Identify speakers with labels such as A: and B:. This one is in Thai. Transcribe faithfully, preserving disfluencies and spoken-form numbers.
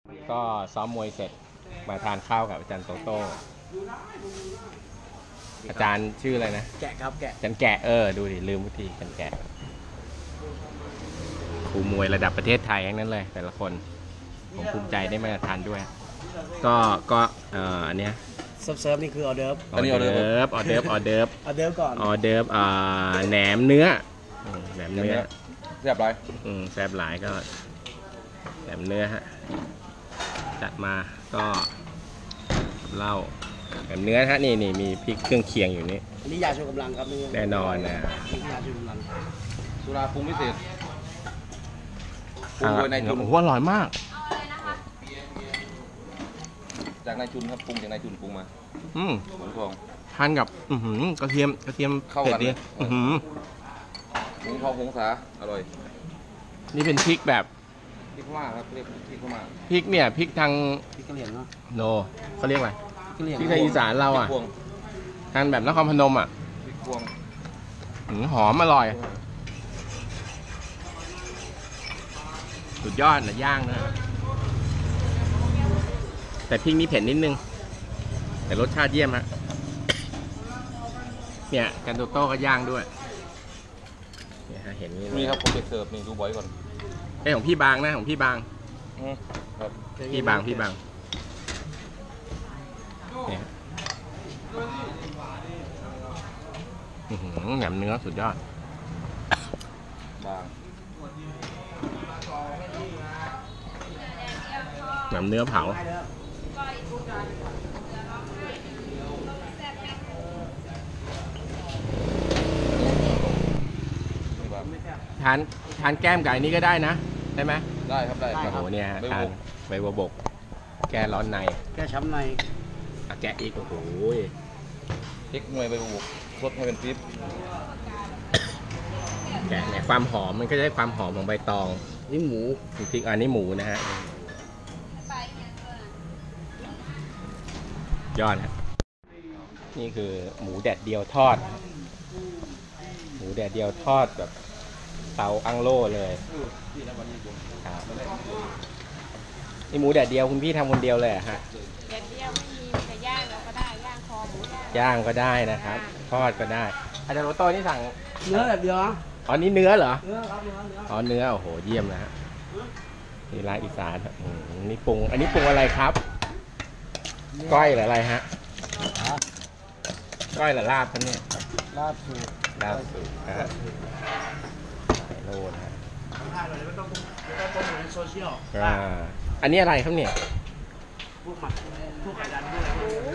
A: ก็ซ้อมมวยเสร็จมาทานข้าวกับอาจารย์โตโต้อาจารย์ชื่ออะไรนะ
B: แกะครับแกะ
A: อาจารย์แกะเออดูดิลืมทีอาจารย์แกะครูมวยระดับประเทศไทยทั้งนั้นเลยแต่ละคนผมภูมิใจได้มาทานด้วยก็ก็เอ่ออันเนี้ย
B: เซิร์ฟเซิร์ฟนี่คือออเดิร์ฟ
A: ออเดิร์ฟออเดิร์ฟออเดิร์ฟ
B: ออเดิร์ฟก่อน
A: ออเดิร์ฟอ่าแหนมเนื้อแหนมเนื้อ
C: แซ่บหลาย
A: อืมแซ่บหลายก็แหนมเนื้อฮะจัดมาก็เหล้าแหนมเนื้อฮะนี่นี่มีพริกเครื่องเคียงอยู่นี่
B: อันนี้ยาชูกำลังครับนี่
A: แน่นอนนะ
B: ยาชูกำลัง
C: สุราปรุงพิเศษ
A: ปรุงโดยนายจุนโอ้โหอร่อยมาก
C: จากนายจุนครับปรุงจากนายจุนปรุงมา
A: อืม
C: หมูทอง
A: ทานกับอือหือกระเทียมกระเทียม
C: เข้ากัน
A: ดีอือหือ
C: หมูทองหงสาอร่อย
A: นี่เป็นพริกแบบ
C: พริกพม่าครับเรียกพริกพม่า
A: พริกเนี่ยพริกทาง
B: พริกกะเหรี่ยงเนาะ
A: โนเขาเรียกอะไร
B: พริก
A: ทางอีสานเราอ่ะทานแบบนครพนมอ่ะ
C: พริกพวง
A: หอมอร่อยสุดยอดนะย่างนะแต่พริกนี้เผ็ดนิดนึงแต่รสชาติเยี่ยมฮะเนี่ยกันโตโต้ก็ย่างด้วยเนี่ยฮะเห็น
C: นี่ครับผมไปเสิร์ฟนี่ดูบ่อยก่อน
A: ไอของพี่บางนะของพี่บาง
C: ครับ
A: พี่บางพี่บางเนี่ยแหนมเนื้อสุดยอด
C: บาง
A: แหนมเนื้อเผาทานทานแก้มไก่นี้ก็ได้นะได้ไหม
C: ได้ครับได้
A: โอ้โหเนี่ยทานใบบัวบกแก้ร้อนใน
B: แก้ช้ำใน
A: อ่ะแกะอีกโอ้โห
C: พริกหน่วยใบบัวบกรสให้เป็นปี๊บ
A: แกะเนี่ยความหอมมันก็จะได้ความหอมของใบตอง
B: นี่หมู
A: พริกอันนี้หมูนะฮะยอดครับนี่คือหมูแดดเดียวทอดหมูแดดเดียวทอดแบบเตาอังโล่เลยครับนี่หมูแดดเดียวคุณพี่ทำคนเดียวเลยฮะ
D: แดดเดียวไม่มีแต่ย่างเราก็ได้ย่างคอหมู
A: ย่างก็ได้นะครับทอดก็ได้อาจารย์โรโต้นี่สั่ง
B: เนื้อแบบเดียว
A: อ๋อนี่เนื้อเหรอ
B: เนื้อครับเนื้อเนื้อ
A: อ๋อเนื้อโอ้โหเยี่ยมนะฮะนี่ร้านอีสานนี่ปรุงอันนี้ปรุงอะไรครับก้อยหรืออะไรฮะก้อยหรือลาบครับเนี่ย
B: ลาบสูตร
A: ลาบสูตรนะฮะโน่นฮะ
B: ถ่ายหน่อยไม่ต้องไม่ต้องโปรโมทในโซเชียล
A: อ่าอันนี้อะไรครับเนี่ย
B: พวกหมักพวกไข่ดันพวกอะไร